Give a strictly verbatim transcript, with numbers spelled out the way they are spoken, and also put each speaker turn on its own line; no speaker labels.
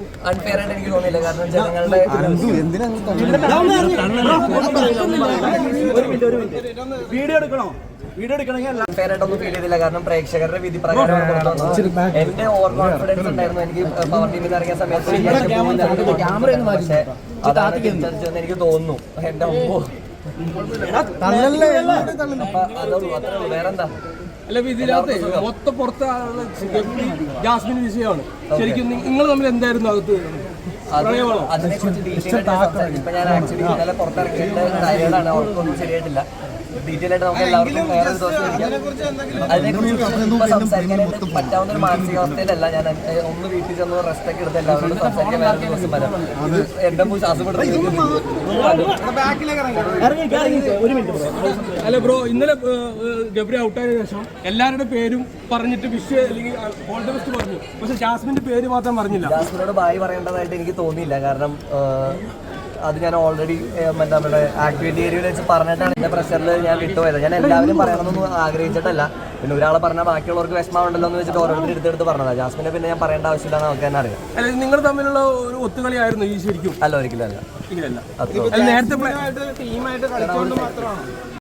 Unfair ആയിട്ട് എനിക്ക് തോന്നിയില്ല. കാരണം ജനങ്ങളുടെ
വീഡിയോ എടുക്കണോ വീഡിയോ എടുക്കണമെങ്കിൽ
അൺഫെയർ ആയിട്ടൊന്നും ഫീൽ ചെയ്തില്ല. കാരണം പ്രേക്ഷകരുടെ വിധി പ്രകാരമാണ് പുറത്തു വന്നത്. എന്റെ ഓവർ കോൺഫിഡൻസ് ഉണ്ടായിരുന്നു. എനിക്ക് പവർ ടീമിൽ നിന്ന് ഇറങ്ങിയ സമയത്ത് പക്ഷേ അതാണ് തിരിച്ചടിച്ചതെന്ന് എനിക്ക് തോന്നുന്നു. എന്റെ ഒമ്പോ അപ്പൊ അതുള്ളൂ, അത്രേ ഉള്ളൂ. വേറെന്താ?
അല്ല, ഇതിനകത്ത് മൊത്തം പുറത്ത് ജാസ്മിൻ വിഷയമാണ്. ശരിക്കും നിങ്ങൾ തമ്മിൽ എന്തായിരുന്നു അകത്ത്?
അതിനെ കുറിച്ച് ഡീറ്റെയിൽ ആയിട്ട് ഇപ്പൊ ഞാൻ ആക്ച്വലി ഇന്നലെ പുറത്തിറക്കിയിട്ട് ടയർഡാണ്, അവർക്കൊന്നും ശരിയായിട്ടില്ല. ഡീറ്റെയിൽ ആയിട്ട് നമുക്ക് എല്ലാവർക്കും വേറെ ഒരു ദിവസം ഇരിക്കാം. അതിനെക്കുറിച്ച് ഇപ്പൊ സംസാരിക്കാനായിട്ട് പറ്റാവുന്ന ഒരു മാനസികാവസ്ഥയിലല്ല ഞാൻ. ഒന്ന് വീട്ടിൽ ചെന്ന് റെസ്റ്റ് ഒക്കെ എടുത്ത് എല്ലാവരോടും സംസാരിക്കാൻ വേറെ ഒരു ദിവസം വരാം. എന്റെ ശ്വാസം
അല്ല ബ്രോ, ഇന്നലെ ഗബ്രി ഔട്ടായതിനു ശേഷം എല്ലാവരുടെ പേരും പറഞ്ഞിട്ട് വിഷ് അല്ലെങ്കിൽ ഓൾ ദി ബെസ്റ്റ് പറഞ്ഞു. പക്ഷെ ജാസ്മിന്റെ പേര് മാത്രം പറഞ്ഞില്ല.
ജാസ്മിനോട് ബായ് പറയേണ്ടതായിട്ട് എനിക്ക് തോന്നിയില്ല. കാരണം അത് ഞാൻ ഓൾറെഡി എന്താ നമ്മുടെ ആക്ടിവിറ്റി ഏരിയയിൽ വെച്ച് പറഞ്ഞിട്ടാണ് എന്റെ പ്രഷറിൽ ഞാൻ വിട്ടുപോയത്. ഞാൻ എല്ലാവരും പറയണമെന്നൊന്നും ആഗ്രഹിച്ചിട്ടല്ല. പിന്നെ ഒരാളെ പറഞ്ഞാൽ ബാക്കിയുള്ളവർക്ക് വിഷമമുണ്ടല്ലോ എന്ന് വെച്ചിട്ട് ഓരോരുത്തർ എടുത്തെടുത്ത് പറഞ്ഞതാണ്. ജാസ്മിനെ പിന്നെ ഞാൻ പറയേണ്ട ആവശ്യമില്ല, നമുക്ക് തന്നെ അറിയാം.
അല്ല, നിങ്ങൾ തമ്മിലുള്ള ഒരു ഒത്തുകളിയായിരുന്നു ഈ ശരിക്കും?
അല്ല, ഒരിക്കലും അല്ല.
നേരത്തെ